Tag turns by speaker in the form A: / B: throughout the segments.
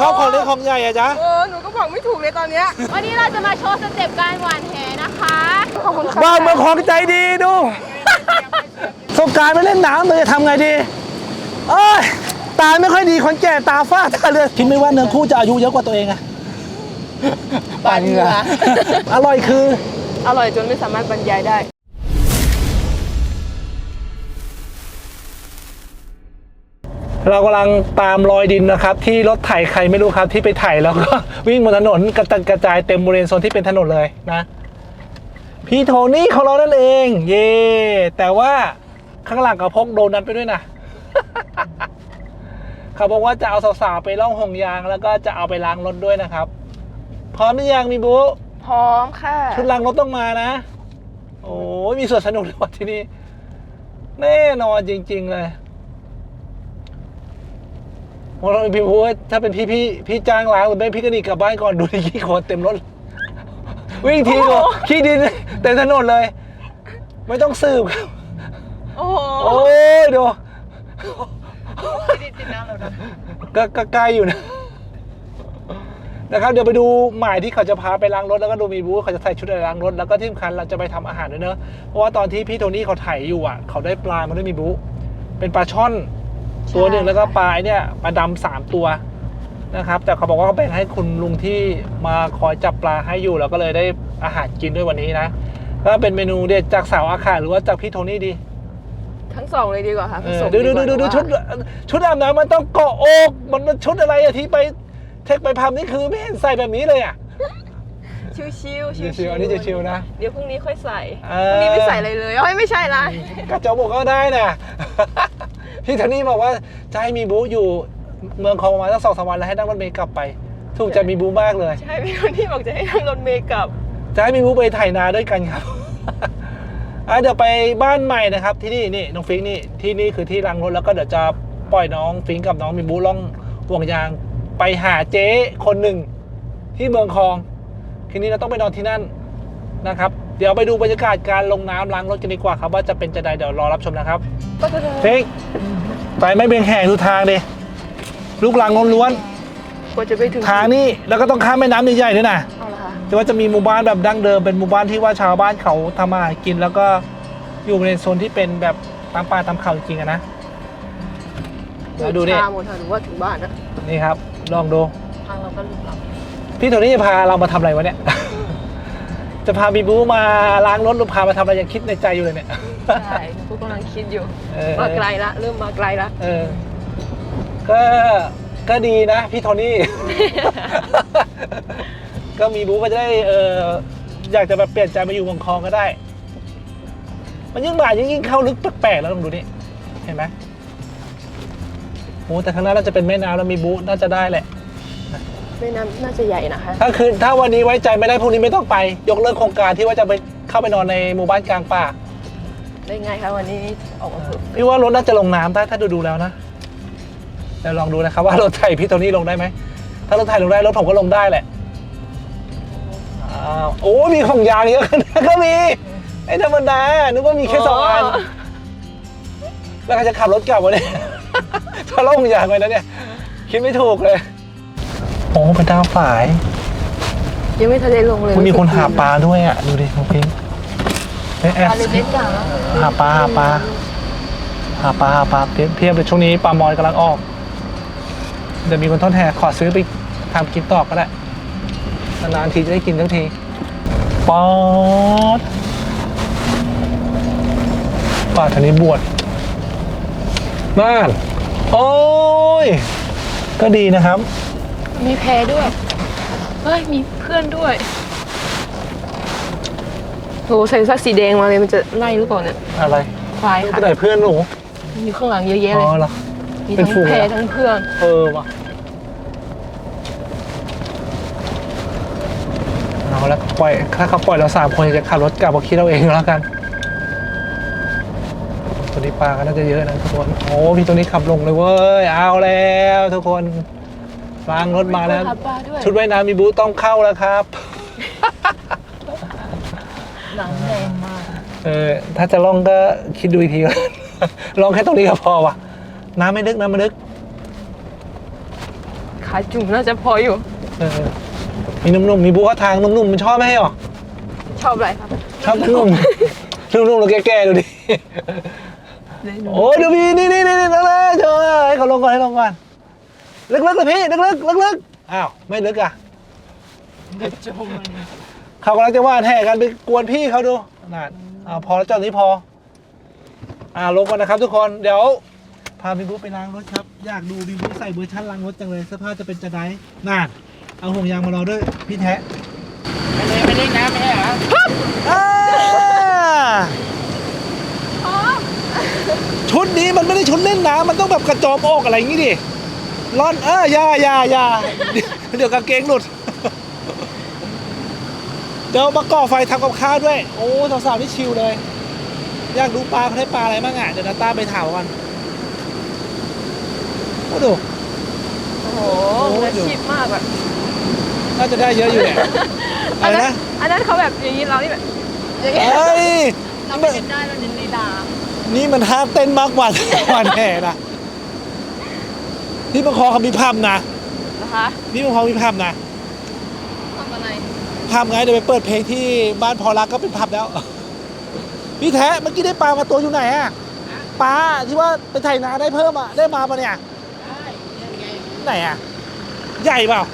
A: อบของเล็กของใหญ่อะจ๊ะ
B: หนูก็บอกไม่ถูกเลยตอนเนี้ย
C: วันนี้เราจะมาโชว์สเต็ปการหวานแหนะคะขอบคุณค่ะ
A: บ้านเมืองของใจดีดูสงกรานต์ไม่เล่นน้ำเลยจะทำไงดีเอ้ยตาไม่ค่อยดีคนแก่ตาฝ้าตาเลือดคิดไม่ว่าเนื้อคู่จะอายุเยอะกว่าตัวเองอะ
B: บานเหงื่อ
A: อร่อยคือ
B: อร่อยจนไม่สามารถบรรยายได้
A: เรากำลังตามรอยดินนะครับที่รถไถใครไม่รู้ครับที่ไปไถแล้วก็วิ่งบนถนนกระจายเต็มบริเวณโซนที่เป็นถนนเลยนะพี่โทนี่ของเรานั่นเองเย่แต่ว่าข้างหลังก็พกโดนัทไปด้วยนะเขาบอกว่าจะเอาสาวๆไปล่องห่วงยางแล้วก็จะเอาไปล้างรถด้วยนะครับพร้อมหรือยังมีบุ๊
B: พร้อมค่ะ
A: ชุดล้างรถต้องมานะโอ้ยมีส่วนสนุกเลยว่ะที่นี่แน่นอนจริงๆเลยเราพี่พูดถ้าเป็นพี่จ้างล้างหรือไม่พี่ก็หนีกลับบ้านก่อนดูดิขี้โคลนเต็มรถวิ่งทีก็ขี้ดินเต็มถนนเลยไม่ต้องสืบครับ
B: โอ้
A: ยดู
B: ติดน้ำแล้วนะ
A: ก็ใกล้อยู่นะครับเดี๋ยวไปดูหมายที่เขาจะพาไปล้างรถแล้วก็ดูมีบูธเขาจะใส่ชุดอะไรล้างรถแล้วก็ที่สำคัญเราจะไปทำอาหารด้วยเนอะเพราะว่าตอนที่พี่โทนี่เขาไถอยู่อ่ะเขาได้ปลามาด้วยมีบูธเป็นปลาช่อนตัวหนึ่งแล้วก็ปลาเนี่ยปลาดำ3 ตัวนะครับแต่เขาบอกว่าเขาแบ่งให้คุณลุงที่มาคอยจับปลาให้อยู่แล้วก็เลยได้อาหารกินด้วยวันนี้นะก็เป็นเมนูเด็ดจากสาวอาคาหรือว่าจากพี่โทนี่ดี
B: ทั้งสองเลยดีกว่าค่ะ
A: ดูชุดอาบน้ำมันต้องเกาะอกมันชุดอะไรอะที่ไปเทคไปพัมนี่คือไม่เห็นใส่แบบนี้เลยอะ
B: ชิว
A: อันนี้จะชิวนะ
B: เดี๋ยวพรุ่งนี้ค่อยใส่พรุ่งนี้ไม่ใส่อะไรเลยไม่ใช่ละ
A: กระจกบอกก็ได้นะพี่โทนี่บอกว่าจะให้มีบูอยู่เมืองคองมาสัก2-3 วันแล้วให้นั่งรถเมล์กลับไปถูกใจมีบูมากเลย
B: ใช่พี่โทนี่บอกจะให้นั่งรถเมล์กลับ
A: จะให้มีบูไปไถนาด้วยกันครับเดี๋ยวไปบ้านใหม่นะครับที่นี่น้องฟิงนี่ที่นี่คือที่ล้างรถแล้วก็เดี๋ยวจะปล่อยน้องฟิงกับน้องมีบูล่องห่วงยางไปหาเจ๊คนหนึ่งที่เมืองคองคืนนี้เราต้องไปนอนที่นั่นนะครับเดี๋ยวไปดูบรรยากาศการลงน้ำล้างรถกันดีกว่าครับว่าจะเป็นจะใดเดี๋ยวรอรับชมนะครับฟิงไปไม่เบี่ยงแห่ทุกทางดิลูกลังล้วน
B: กว่าจะไปถึง
A: ทางนี้แล้วก็ต้องข้ามแม่น้ำใหญ่ๆด้วยนะแต่ว่าจะมีหมู่บ้านแบบดั้งเดิมเป็นหมู่บ้านที่ว่าชาวบ้านเขาทำมาหากินแล้วก็อยู่ในโซนที่เป็นแบบตามป่าตามเขาจริงๆนะเราดูดิ
B: หมดหรือว่าถึงบ้านนะ
A: นี่ครับลองดู
B: ทางเราก็ลึกลับ
A: พี่โทนี่จะพาเรามาทำอะไรวะเนี่ย จะพาบีบูมาล้างรถหรือพามาทำอะไรยังคิดในใจอยู่เลยเนี่ย
B: ใช่กูกำลังคิดอยู่มาไกลละเริ่มมาไกลละ
A: ก็ดีนะพี่โทนี่ ก็มีบูก็จะได้อยากจะแบบเปลี่ยนใจมาอยู่เมืองคองก็ได้มันยิ่งบ่ายยิ่งเข้าลึกแปลกๆแล้วลองดูนี่เห็นไหมโอ้แต่ข้างหน้าน่าจะเป็นแม่น้ำแล้วมีบูน่าจะได้แหละ
B: แม่น้ำน่าจะใหญ่นะคะ
A: ถ้าวันนี้ไว้ใจไม่ได้พรุ่งนี้ไม่ต้องไปยกเลิกโครงการที่ว่าจะไปเข้าไปนอนในหมู่บ้านกลางป่า
B: ได้ไงคะวันนี้ออกมาฝึก
A: พี่ว่ารถน่าจะลงน้ำได้ถ้าดูแล้วนะเดี๋ยวลองดูนะครับว่ารถไถพี่โทนี่ลงได้ไหมถ้ารถไถลงได้รถผมก็ลงได้แหละโอ้มีของยางเยอะขนาดก็มีไอ้ธรรมดานึกว่ามีแค่2 อันแล้วใครจะขับรถกลับวะเนี่ยถ้าล่องยางไปแล้วเนี่ยคิดไม่ถูกเลยโอ้เป็นดาวฝาย
B: ยังไม่ทันได้ลงเลย
A: มีคนหาปลาด้วยอ่ะดูดิน้องพิง
B: ปลาเล็กๆ
A: หาปลาเพียบเลยช่วงนี้ปลามอนกำลังออกเดี๋ยวมีคนทอดแห่ขอซื้อไปทำกินต่อก็ได้นานๆทีจะได้กินทั้งทีป๊อดป่าทางนี้บวชบ้านโอ้ยก็ดีนะครับ
B: มีแพด้วยมีเพื่อนด้วยโหใส่ซักสีแดงมาเลยมันจะไล่หรือเปล่าเนี่ย
A: อะไร
B: ควายค่ะ
A: ไหนเพื่อนหนู
B: อยู่ข้างหลังเยอะแยะเลยมีทั้งแพทั้งเพื่อน
A: ว่ะเอาแล้วปล่อยถ้าเขาปล่อยเรา3 คนจะขับรถกลับมาคิดเราเองแล้วกันตัวนี้ปลาก็น่าจะเยอะนะทุกคนโอ้พี่ตัวนี้ขับลงเลยเว้ยเอาแล้วทุกคนล้างรถมาแล้วชุดว่ายน้ำมีบูทต้องเข้าแล้วครับ
B: หลังแรงมาก
A: ถ้าจะล่องก็คิดดูอีกทีก่อนล่องแค่ตรงนี้ก็พอว่ะน้ำไม่ลึก
B: ใครขาจุ่มน่าจะพออยู่
A: มีนุ่มๆมีบู๊ทางนุ่มๆมันชอบไหมหรอ
B: ชอบอะไรครับ
A: ชอบนุ่มๆนุ่มๆแล้วแก่ๆดูดิโอ้ดูพี่นี่นั่งเลยเจอให้เขาลงก่อนให้ลงก่อนลึกๆเลยพี่ลึกอ้าวไม่ลึกอ่ะเขากำลังจะว่าแห่กันไปกวนพี่เขาดูนั่นพอแล้วเจ้านี้พอลงก่อนนะครับทุกคนเดี๋ยวพาพี่บุ๊คไปล้างรถครับอยากดูพี่บุ๊คใส่เวอร์ชันล้างรถจังเลยเสื้อผ้าจะเป็นจะได้นั่นเอาห่วงยางมารอด้วยพี่แท้ไม่เล่นน้ำไม่ใช่เหรอชุดนี้มันไม่ได้ชุดเล่นน้ำมันต้องแบบกระจอมอกอะไรอย่างงี้ดิร่อนอย่าเดี๋ยวกางเกงหลุดเดี๋ยวมาก่อไฟทำกับข้าวด้วยโอ้สาวๆนี่ชิลเลยอยากดูปลาเขาได้ปลาอะไรบ้างอ่ะเดี๋ยวนาต้าไปถามกันโอ้ดู
B: โอ้โหอาชีพมากแบบ
A: น่าจะได้เยอะอยู่เนี่ยอะไรนะ
B: อันนั้นเขาแบบอย่างนี้เรานี่แบบอย่างนี้
A: เฮ้ย
B: เราไม่เห็นได้เราเน้นในดา
A: นี่มันห้ามเต้นมากกว่าวันแห่นะที่บางคอเขามีภาพนะ
B: นะคะ
A: นี่บางคอมีภาพนะ
B: ทำอะไร
A: ภาพไงเดี๋ยวไปเปิดเพลงที่บ้านพอรักก็เป็นภาพแล้วพี่แท้เมื่อกี้ได้ปลามาตัวอยู่ไหนอะปลาที่ว่าไปไถนาได้เพิ่มอะได้มาปะเนี่ยไหนอะใหญ่เปล่า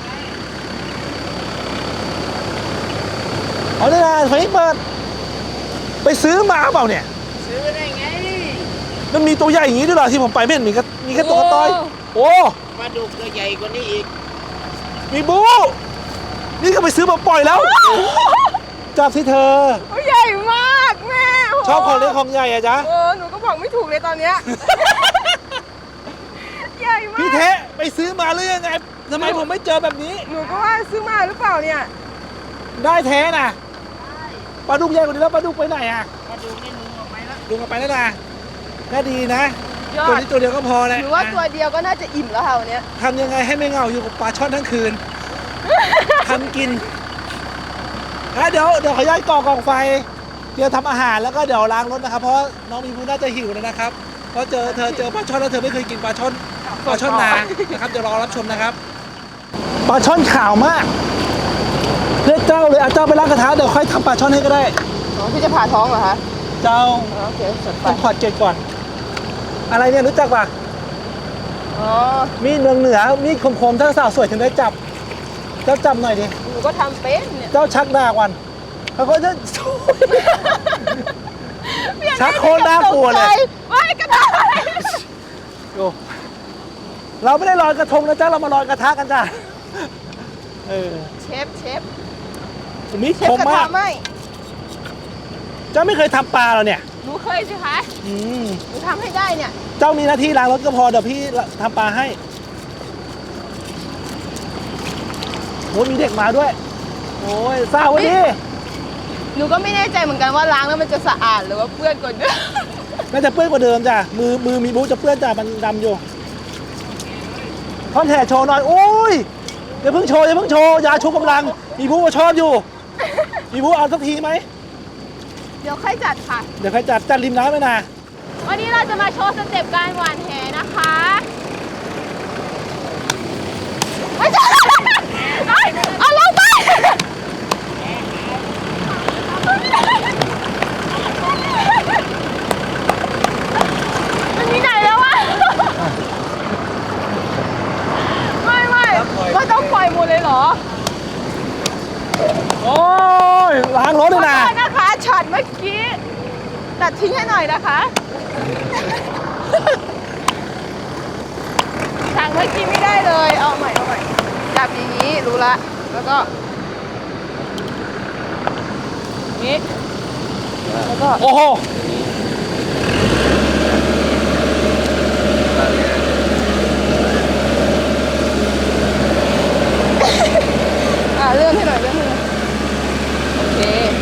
A: เอาได้ไงไฟเปิดไปซื้อมาเปล่าเนี่ยซื้อได้ไงมันมีตัวใหญ่อย่างนี้ด้วยเหรอที่ผมไปไม่เห็นมีแค่ตัวต้อยโอ้ปลาดุกตัวใหญ่กว่านี้อีกมีบูนี่ก็ไปซื้อมาปล่อยแล้วจับสิเธอ
B: ใหญ่มากแม่
A: ชอบของเล็กของใหญ่อะจ๊ะ
B: หนูก็บอกไม่ถูกเลยตอนเนี้ยใหญ่มาก
A: พี่เทะไปซื้อมาหรือยังไงทำไมผมไม่เจอแบบนี้
B: หนูก็ว่าซื้อมาหรือเปล่าเนี่ย
A: ได้แท้น่ะปลาดุกใหญ่กว่านี้แล้วปลาดุกไปไหนอะปลาดุกนี่ลุงออกไปแล้วนะก็ดีนะตัวนี้ตัวเดียวก็พอแล้ว
B: หรือว่าตัวเดียวก็น่าจะอิ่มแล้วค่ะวันนี้
A: ทำยังไงให้ไม่เหงาอยู่กับปลาช่อนทั้งคืนทำกินเดี๋ยวขอย้ายกองไฟเดี๋ยวทำอาหารแล้วก็เดี๋ยวล้างรถนะครับเพราะน้องมีผู้น่าจะหิวแล้วนะครับเพราะเจอปลาช่อนแล้วเธอไม่เคยกินปลาช่อนนานะครับเดี๋ยวรอรับชมนะครับปลาช่อนขาวมากเลือกเจ้าเลยเจ้าไปล้างกระทะเดี๋ยวค่อยทำปลาช่อนให้ก็ได้
B: พี่จะผ่าท้องเหรอคะ
A: เจ้า
B: โอเคจัดไป
A: ต้องขอดเกล็ดก่อนอะไรเนี่ยรู้จักป่ะมีดเมืองเหนือมีดคมๆถ้าสาวสวยถึงได้จับเจ้าจับหน่อยดิ
B: หนูก็ทำเป็นเนี่ย
A: เจ้าชักดาวันเขาก็จะชักโคตรน่ากลัวเลย
B: ไม่กระทะ
A: เราไม่ได้ลอยกระทงนะจ๊ะเรามาลอยกระทะกันจ้ะ
B: เชฟ
A: มีดคมมากเจ้าไม่เคยทำปลาเหรอเนี่ย
B: หนูเคยสิคะหนูทำให้ได้เนี่ย
A: เจ้ามีหน้าที่ล้างรถก็พอเดี๋ยวพี่ทำปลาให้โอ้มีเด็กมาด้วยโอ้ยเศร้าวันนี้
B: หนูก็ไม่แน่ใจเหมือนกันว่าล้างแล้วมันจะสะอาดหรือว่าเปื้อนกว่าเดิม
A: น่าจะเปื้อนกว่าเดิมจ้ะมือมีบู๊จะเปื้อนจ้ะมันดำอยู่ท่อนแห่โชว์หน่อยโอ้ยอย่าเพิ่งโชว์ยาชูกำลังมีบู๊มาชอบอยู่มีบู๊เอาสักทีไหม
C: เดี๋ยวค่อยจัดค่ะ
A: เดี๋ยวค่อยจัดริมน้ำไหมนะ
C: วันนี้เราจะมาโชว์สเต็ปการหว่านแหนะคะไม่ใช่เอาลงไปมันมีไหนแล้ววะไม่ต้องปล่อยหมดเลยเหรอ
A: โอ้ยล้างรถเลยนะ
C: นะคะช็อตเมื่อกี้ตัดทิ้งให้หน่อยนะคะทางเมื่อกี้ไม่ได้เลยเอาใหม่จับอย่างนี้รู้ละแล้วก็นี้แล้วก็
A: โอ้โห
B: เลื่อนให้หน่อยโอเค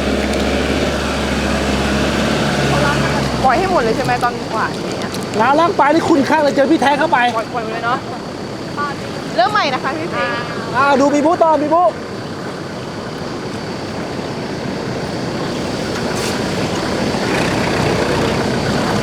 B: ปล่อยให้หมดเลยใช่ไหมตอนหวานเนี่ย
A: ล้างปลาที่คุณข้างเลยเจอพี่แท้เข้าไป
B: ปล่อยเลยเนาะเริ่มใหม่นะคะพี่ฟิง
A: ดูมีบู๊ต่อมีบู๊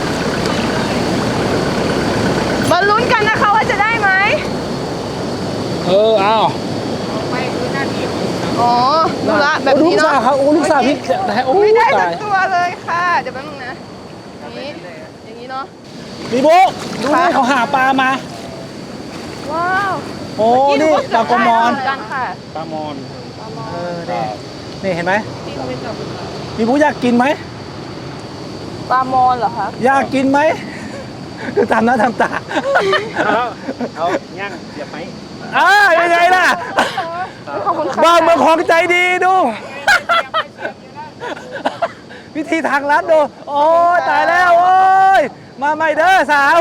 B: มาลุ้นกันนะคะว่าจะได้ไหม
A: อ้าว
C: ไปคือหน้าที่อ๋อรู้ละแบบ
A: ลู
C: นี้
A: ก
C: เนาะ
A: สาวครับโอ้ลูกสาวพี่โอ้
C: ไม่ได้สั
A: ตาก ย
C: ตัวเลยค่ะเดี๋ยวแป๊บนึงนะอย่างนี้อย่างนี้เนาะ
A: มีบุ๊ดูนี่เขาหาปลามา
C: ว้าว
A: โอ้นี่ปลากระมอน
C: เหกันค่ะ
A: ปลามอนนี่เห็นไหมมีบุ๊อยากกินไหม
C: ปลามอนเหรอคะ
A: อยากกินไหมดูทำหน้าทำตา
D: เอาย่างเสียบไหม
A: ยังไงล่ะ
C: ขอบคุณค่ะ
A: บ้าเมืองของใจดีดู วิธีทางลัดดู โอ้ยตายแล้วโอ้ยมาใหม่เด้อสาว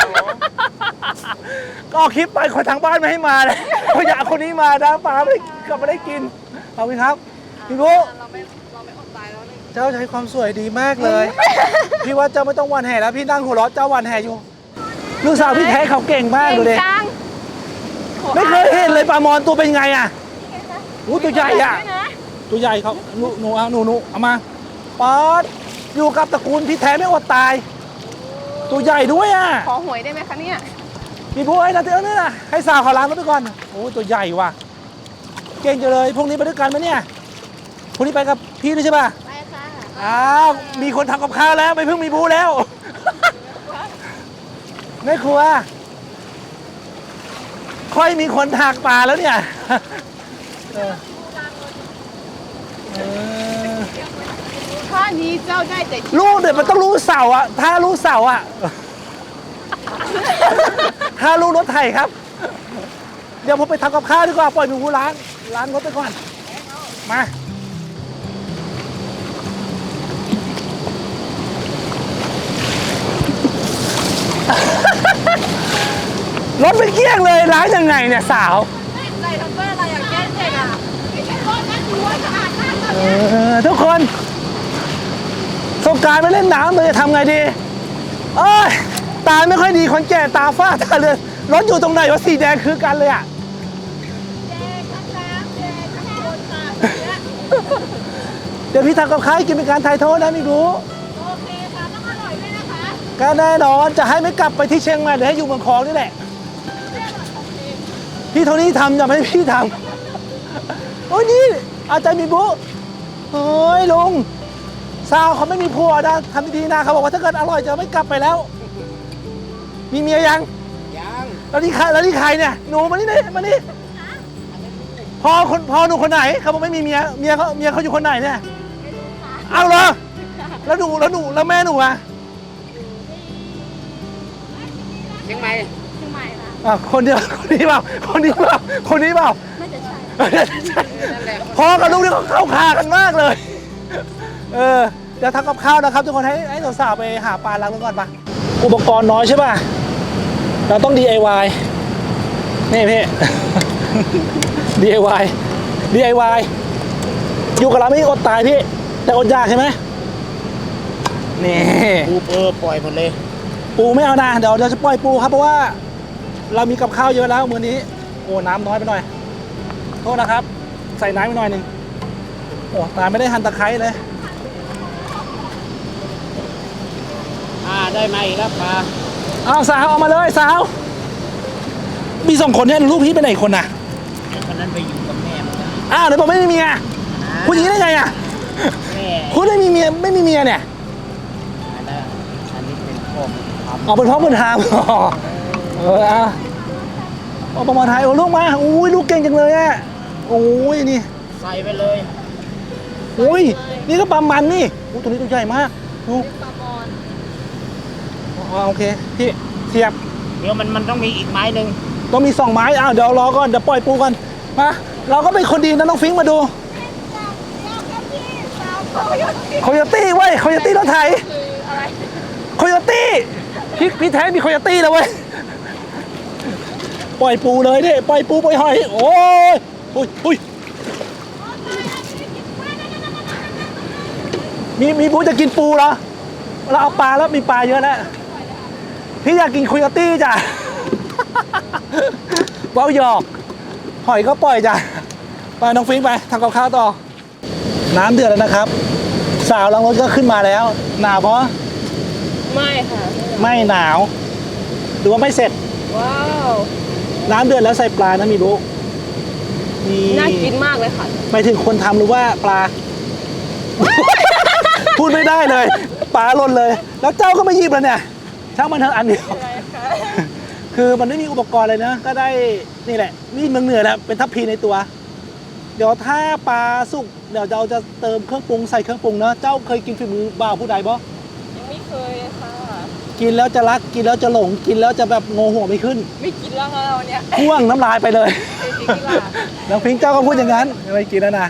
A: ก็เอาคลิปไปคนทางบ้านไม่ให้มาเลยเขาอยากคนนี้มานะปลาไม่กลับมาได้กินเอาไหมครับพี่บุ๊
C: เราไม่อดตายแล้วเลย
A: เจ้าใช้ความสวยดีมากเลย พี่ว่าเจ้าไม่ต้องหวันแห่แล้วพี่นั่งหัวเราะเจ้าหวันแห่อยู่ ลูกสาวพี่แท้เขาเก่งมากดูดิ
C: เก่งจัง
A: ไม่เคยเห็นเลยปลามอนตัวเป็นไงอ่ะอู้ตัวใหญ่อ่ะ
C: ด้วยนะ
A: ตัวใหญ่เขาหนูเอามาป๊อดอยู่กับตระกูลพี่แท้ไม่อดตาย ตัวใหญ่ด้วยอ่ะ
C: ขอหวยได้ไหมคะเนี่ย
A: มีผู้ไอ้นะเตือนนี่นะให้สาวเขาล้างรถไปก่อนโอ้ตัวใหญ่ว่ะเก่งจังเลยพรุ่งนี้ไปด้วยกันไหมเนี่ยพรุ่งนี้ไปกับพี่ด้วยใช่ป่ะ
C: ไปค่ะ
A: อ้าวมีคนทำกับข้าวแล้วไม่เพิ่งมีผู้แล้ว แม่ครัวค่อยมีคนถากปลาแล้วเนี่ยเออ
C: ข้อนี้เจ้าได้แต่
A: ลูกเดี๋ยวมันต้องรู้เสาอะถ้ารู้เสาอะ ถ้ารู้รถไถครับ เดี๋ยวผมไปทำกับข้าวดีกว่าปล่อยหนูล้างรถไปก่อนมา รถไม่เกลี้ยงเลยล้างยังไงเนี่ยสาว
C: ใส่ทัมเปอร์อะไรอย่างแก้เจ็บอ่ะไม่ใช่รถนะถือว่าสะอาดมากเลย
A: ทุกคนสงกรานต์ไปเล่นน้ำเลยจะทำไงดีเอ้ยตาไม่ค่อยดีคนแก่ตาฝ้าตาเลือนรถอยู่ตรงไหนวะสีแดงคือกันเลยอ่ะ เดี๋ยวพี่ทำกับข้าวให้กินเป็นการไถ่โทษนะมิรู้
C: โอเคค่ะต้องอร่อยด้วยนะคะ
A: ก็แน่นอนจะให้ไม่กลับไปที่เชียงใหม่หรือให้อยู่เมืองคองนี่แหละ พี่โทนี่ทำอย่าไม่ให้พี่ทำโอ้ยนี่อาจารย์มีบุเฮ้ยลุงสาวเขาไม่มีผัวนะทำดีๆนะเขาบอกว่าถ้าเกิดอร่อยจะไม่กลับไปแล้ว มีเมียยัง
D: ย่าง
A: แล้วนี่ใครเนี่ยหนูมานี่มานี่พอหนูคนไหนเขาบอกไม่มีเมียเขาอยู่คนไหนเนี่ยเอาเหรอแล้วแม่หนูอ่ะ
D: เชียงใหม่
A: คนนี้เปล่า
C: น่าจะใช่
A: พ่อกับลูกนี่เขาเข้าคากันมากเลย เดี๋ยวทำกับข้าวนะครับทุกคนให้สาวๆไปหาปลาล้างรถก่อนปะอุปกรณ์น้อยใช่ป่ะเราต้อง DIY นี่พี่ DIY อยู่กับเราไม่อดตายพี่แต่อดอยากใช่ไหมนี่
D: ปูปล่อยหมดเลย
A: ปูไม่เอานะเดี๋ยวจะปล่อยปูครับเพราะว่าเรามีกับข้าวเยอะแล้วมื้อนี้โอ้น้ำน้อยไปหน่อยโทษนะครับ ใส่น้ำไปหน่อยหนึ่งโอ้ตายไม่ได้หั่นตะไคร้เลย
D: ได้ไหมแล้วปลา
A: เอาสาวเอามาเลยสาวมีสองคนเนี่ยลูกพี่ไปไหนคนน่ะ
D: คนนั้นไปอยู่กับแม่มันนะ
A: อ้าวเดี๋ยวบอกไม่มีเมียพูดอย่างนี้ได้ไงอ่ะ
D: แม่
A: พูดไม่มีเมียไม่มีเมียเนี่ย
D: อันนี้เป็นพ่อท
A: ออกเป็นพ่อเป็นทามเอาประมาณไทยโอ้ลูกมาอุ้ยลูกเก่งจังเลยอ่ะโอ้ยนี่
D: ำใส่ไปเลย
A: อุ้ยนี่ก็ปลามันนี่อู้ตัวนี้ตัวใหญ่มากดู
C: ปลามอน
A: โอเคพี่เสียบ
D: เดี๋ยวมันต้องมีอีกไม้หนึ่ง
A: ต้องมี2 ไม้อ้าวเดี๋ยวรอก่อนเดี๋ยวปล่อยปูก่อนมาเราก็เป็นคนดีนะน้องฟิงค์มาดูโคโยตี้เว้ยโคโยตี้รถไถ
C: คืออะไร
A: โคโยตี้พี่แท้มีโคโยตี้แล้วเว้ยปล่อยปูเลยดิปล่อยปูปล่อยหอยโอ้ยอุ้ยมีปูจะกินปูเหรอเราเอาปลาแล้วมีปลาเยอะแล้วพี่อยากกินโคโยตี้จ้ะ เบ้าหยอกหอยก็ปล่อยจ้ะไปน้องฟิงค์ไปทำกับข้าวต่อน้ำเดือดแล้วนะครับ สาวล้างรถก็ขึ้นมาแล้วหนาวเพราะ
C: ไม่ค่ะ
A: ไม่หนาวหรือว่าไม่เสร็จ
C: ว้าว
A: น้ำเดือดแล้วใส่ปลานะมีบุ๊กนี่
B: น่ากินมากเลยค่ะ
A: ไปถึงคนทำหรือว่าปลา พูดไม่ได้เลยปลาหล่นเลย แล้วเจ้าก็ไม่หยิบเลยเนี่ยช่างมันเถอะอันเดียว คือมันไม่มีอุปกรณ์เลยนะ ก็ได้นี่แหละมีดเมืองเหนือแหละเป็นทัพพีในตัว เดี๋ยวถ้าปลาสุกเดี๋ยวเราจะเติมเครื่องปรุงใส่เครื่องปรุงเนอะเจ้าเคยกินฝีมือบ่าวผู้ใดบ่
B: ยังไม่เคยเลยค่ะ
A: กินแล้วจะรักกินแล้วจะหลงกินแล้วจะแบบงงหัวไม่ขึ้น
B: ไม่กินแล้วค่ะเราเนี่ย
A: พ่วงน้ำลายไปเลย
B: เคยกินกีฬา
A: น้องพิงค์เจ้าก็พูดอย่างนั้นไม่กินแล้วนะ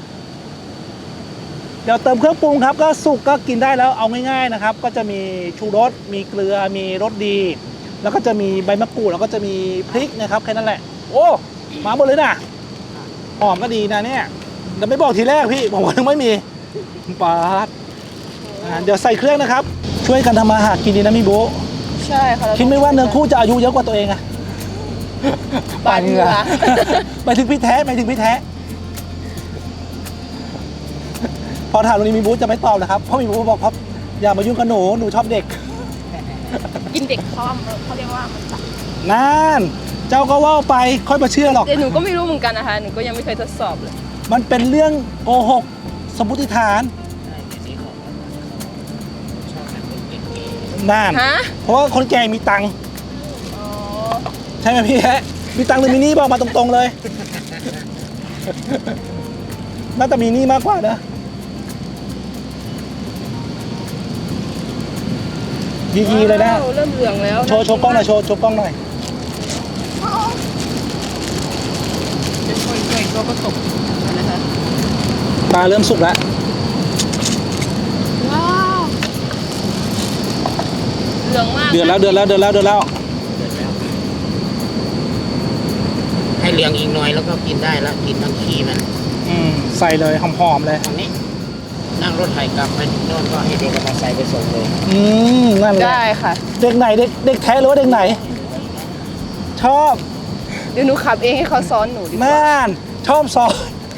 A: เดี๋ยวเติมเครื่องปรุงครับก็สุกก็กินได้แล้วเอาง่ายๆนะครับ ก็จะมีชูรสมีเกลือมีรสดี แล้วก็จะมีใบมะกรูดแล้วก็จะมีพริกนะครับแค่นั้นแหละ โอ้มาหมดเลยนะหอมก็ดีนะเนี่ยแต่ไม่บอกทีแรกพี่บอกว่ายังไม่มีปาดเดี๋ยวใส่เครื่องนะครับ ช่วยกันทำมาหากินดีนะมิโบะ
B: ใช่ค่ะ
A: คิดไม่ว่าเนื้อคู่จะอายุเยอะกว่าตัวเองอะ
B: ปาดเหงื่อ
A: ไปถึงพี่แท้ไปถึงพี่แท้ พอถามตรงนี้มีบูธจะไม่ตอบนะครับเพราะมีบูธบอกครับอย่ามายุ่งกับหนูชอบเด็ก
B: กินเด็กเขาเรียกว่ามันตัด
A: นั่นเจ้าก็ว่าไปค่อยมาเชื่อหรอก
B: แต่หนูก็ไม่รู้เหมือนกันนะคะ หนูก็ยังไม่เคยทดสอบเลย
A: มันเป็นเรื่องโกหกสมมติฐาน
D: ใช่ในสีของชอบแบบเป็นเก๋
A: นั่น
B: ฮะ
A: เพราะว่าคนแก่มีตังค์
B: อ๋อ
A: ใช่ไหมพี่แฮะมีตังค์หรือมีหนี้บอกมาตรงๆเลย น่าจะมีหนี้มากกว่านะยีๆเลยนะ
B: ว้าวเริ่มเหลืองแล้ว
A: โชว์กล้องหน่อยโชว์กล้องหน่อย
B: จะช่วยตัวผสมนะคะ
A: ปลาเริ่มสุกแล้ว
B: ว้าวเหลืองมาก
A: เดือดแล้ว
D: ๆเดือดแล้วให้เหลืองอีกหน่อยแล้วก็กินได้แล้วกินทั้งขี้มัน
A: ใส่เลยหอมๆเลย
D: ตอนนี้นั่งรถไถกลับไปโน่นก็ให้เด็กมาใส่ไปส่งเลย
A: นั่นแหละ
B: ได้ค่ะ
A: เด็กไหนเด็กแท้หรือว่าเด็กไหน ชอบ
B: เดี๋ยวหนูขับเองให้เขาซ้อนหนูดีกว่า
A: น่านชอบซอน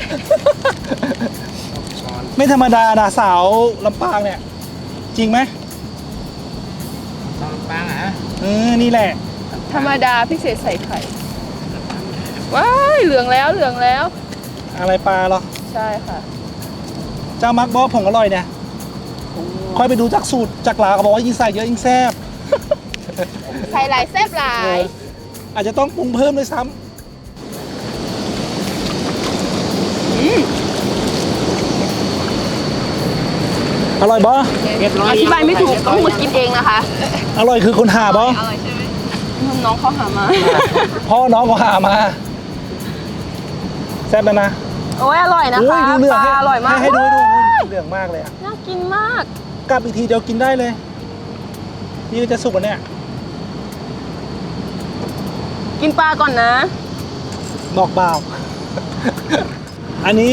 D: ช้อน
A: ไม่ธรรมดานะสาวลำปางเนี่ย จริงไหม
D: ช้อนปังอ่ะ
A: นี่แหละ
B: ธรรมดาพิเศษใส่ไข่ ว้ายเหลืองแล้วเหลืองแล้ว
A: อะไรปลาเหรอ
B: ใช่ค่ะ
A: เจ้ามักบอกผงอร่อยเนี่ยค่อยไปดูจากสูตรจากหลาเขาบอกว่ายิ่งใส่เยอะยิ่งแซ่บ
B: ใส่หลายแซ่บหลาย
A: อาจจะต้องปรุงเพิ่มด้วยซ้ำอร่อยบอ
B: อธิบายไม่ถูกต้องมากินเองนะคะ
A: อร่อยคือคนหาบอ
B: อร่อยใช่ไหมน้องเขาหามา
A: พ่อน้องก็หามาแซ่บแล้วนะ
B: โอ้ยอร่อยนะคะ
A: ดูเหลื
B: ป
A: อง
B: ลาอร่อยมาก
A: ให้ดู
B: ว้าย
A: เหลืองมากเลยอะ
B: น่ากินมาก
A: กลับอีกทีเดียวกินได้เลย นี่ก็จะสุกแล้วเนี่ย
B: กินปลาก่อนนะ
A: บอกเปล่า อันนี้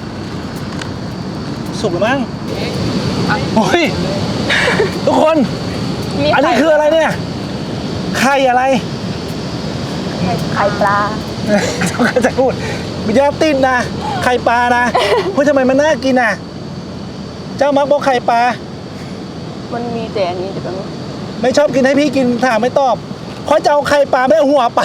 A: สุกหรือมั้งโอ้ย ทุกคน
B: มี
A: อันนี้คืออะไรเนี่ย ไข่อะไร
B: ไข่ปลา
A: เขาจะพูดมียาติดนะ ไข่ปลานะเฮ้ยทำไมมันน่ากินอ่ะ เจ้ามักบอกไข่ปลา
B: มันมีแต่อันนี้เดี๋ยวแป๊บนึง
A: ไม่ชอบกินให้พี่กินถามไม่ตอบเพราะจะเอาไข่ปลาไม่เอาหัวปลา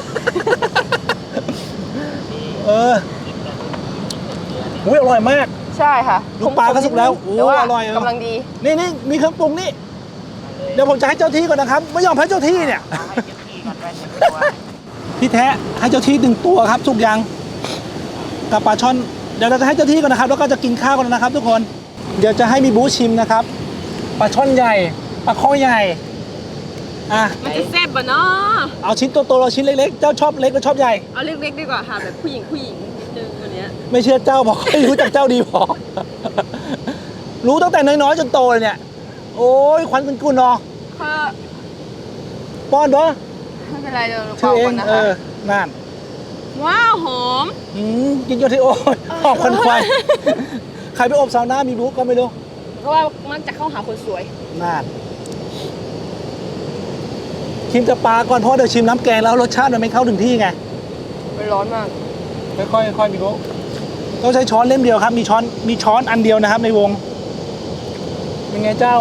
A: อุ้ยอร่อยมาก
B: ใช่ค่ะ
A: ลูกปลาก็สุกแล้วโอ้
B: แต่ว่า
A: อร่อย
B: กำลังดี
A: นี่มีเครื่องปรุงนี่ เดี๋ยวผมจะให้เจ้าที่ก่อนนะครับ ไม่ยอมให้เจ้าที่เนี่ย
D: ให้เจ้าที่ก่อนไป1 ตัว
A: พี่แท้ให้เจ้าที่1 ตัวครับสุกยังกับปลาช่อน เดี๋ยวเราจะให้เจ้าที่ก่อนนะครับ แล้วก็จะกินข้าวกันนะครับ ทุกคน เดี๋ยวจะให้มีบูชิมนะครับ ปลาช่อนใหญ่ ปลาข้อใหญ่ อ่ะ
B: มันจะแซ่บปะเนาะ
A: เอาชิ้นโตๆเราชิ้นเล็กๆ เจ้าชอบเล็กหรือชอบใหญ่
B: เอาเล็กๆดีกว่าค่ะแบบผู้หญิงนิดนึงวันเนี้ย
A: ไม่เชื่อเจ้าบอกให้รู้จักเจ้าดีพอ รู้ตั้งแต่น้อยๆจนโตเลยเนี่ย โอ้ยควันกุนๆเนาะ
B: ก็
A: ป้อนเนาะ
B: ไม่เป็นไรเดี๋ยวเรา
A: ชื่อ
B: เป่า
A: เอ
B: ก่
A: ง
B: อนนะ
A: เอ
B: คะ
A: อนั่น
B: ว้าวหอม
A: กินโยที่โอ้ยหอบควันควายใครไปอบซาวน่ามีบุ๊กก็ไม่รู้
B: เพราะว่ามักจะเข้าหาคนสวย
A: นั่นชิมแต่ปลาก่อนเพราะเดี๋ยวชิมน้ำแกงแล้วรสชาติมันไม่เข้าถึงที่ไง
B: มันร้อนมาก
A: ค่อยมีบุ๊กต้องใช้ช้อนเล่มเดียวครับ มีช้อนอันเดียวนะครับในวงเป็นไงเจ้า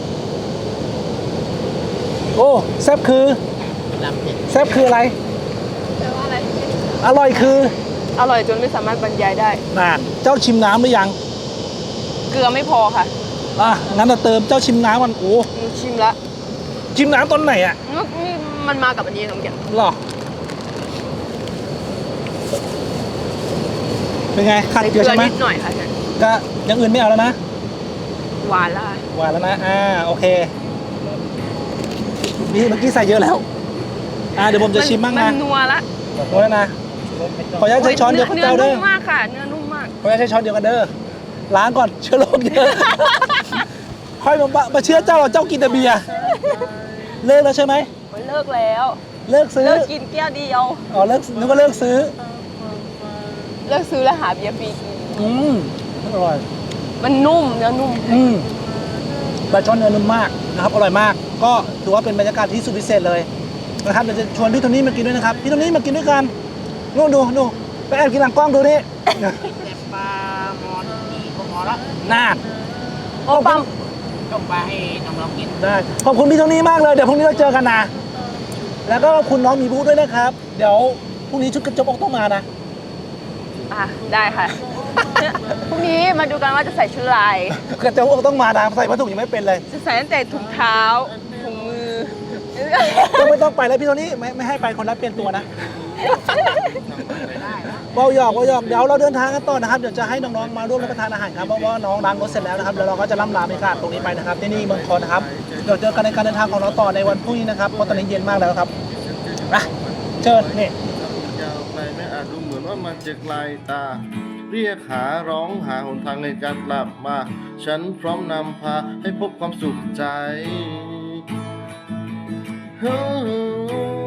A: โอ้แซ่บคือ
D: ลำเผ็ด
A: แซ่บคืออะไร
B: แปลว่าอะไร
A: อร่อยคือ
B: อร่อยจนไม่สามารถบรรยายได้
A: น่นเจ้าชิมน้ำหรือยัง
B: เกลือไม่พอค่ะ
A: งั้นเราเติมเจ้าชิมน้ำมันโอ้
B: ชิมละ
A: ชิมน้ำตอนไหนอ่ะ
B: นี่มันมากับอันนี้น้องแก
A: หรอเป็นไงขาด
B: ใส่
A: เก
B: เก
A: ลื
B: ลื
A: อ
B: อ
A: ใช่ไหม
B: นิดหน่อยค่ะฉัน
A: ก็อย่างอื่นไม่เอาแล้วนะ
B: หวานละ
A: หวานแล้วนะโอเคนี่เมื่อกี้ใส่เยอะแล้วเดี๋ยวผมจะชิมบ้าง
B: มั
A: นะ
B: นัวละ
A: โอ้ยนะขออนุญาตใช้ช้อนเดียวกับ
B: เนื้อ
A: เจ้าเด้
B: นุ่
A: อ
B: มมากค่ะ เนื้อนุ่มมาก
A: ขออนุญาตใช้ช้อนเดียวกันเด้อล้างก่อนเชื้อโรคเยอะค่อยมาเชื่อเจ้าเราเจ้ากินแต่เบียร์เลิกแล้วใช่ไหม
B: เลิกแล้ว
A: เลิกซื้อ
B: เลิกกินแก้วเดียว
A: เลิกนึกว่าเลิกซื้อ
B: เลิกซื้อแล้วหาเบียร์ฟรีกิน
A: อร่อย
B: มันนุ่มเนื้อนุ่ม
A: ปลาช่อนเนื้อนุ่มมากนะครับอร่อยมาก ก็ถือว่าเป็นบรรยากาศที่สุดพิเศษเลยนะครับเดี๋ยวจะชวนพี่โทนี่มากินด้วยนะครับพี่โทนี่มากินด้วยกันนู่นดูไปแอบกินหลังกล้องดูนี่
D: แต่ปลามอนนี่ก็พอละ
A: น่า
B: โอ้ปั๊ม
D: ต้มปลาให้น้องๆกิน
A: ได้ขอบคุณพี่โทนี่มากเลยเดี๋ยวพรุ่งนี้เราเจอกันนะแล้วก็ขอบคุณน้องมีบูด้วยนะครับ เดี๋ยวพรุ่งนี้ชุดกระจกอกต้องมานะ
B: ได้ค่ะ พรุ่งนี้มาดูกันว่าจะใส่ชุดลาย
A: กระจกอกต้องมานะใส่ผ้าถุงยังไม่เป็นเลย
B: จะใส่ตั้งแต่ถุงเท้าถุงมือ
A: ก็ไม่ต้องไปแล้วพี่โทนี่ไม่ให้ไปคนละเปลี่ยนตัวนะเบาหยอกเดี๋ยวเราเดินทางกันต่อนะครับเดี๋ยวจะให้น้องๆมาร่วมรับประทานอาหารครับเพราะว่าน้องล้างรถเสร็จแล้วนะครับแล้วเราก็จะล่ำลาบรรยากาศตรงนี้ไปนะครับที่นี่เมืองคอนนะครับเดี๋ยวเจอกันในการเดินทางของเราต่อในวันพรุ่งนี้นะครับเพราะตอนนี้เย็นมากแล้วครับเชิญนี่
E: ยาวไกลไม่อาจดูเหมือนว่ามันจะไกลตา เรียกหาร้องหาหนทางในการกลับมา ฉันพร้อมนำพาให้พบความสุขใจ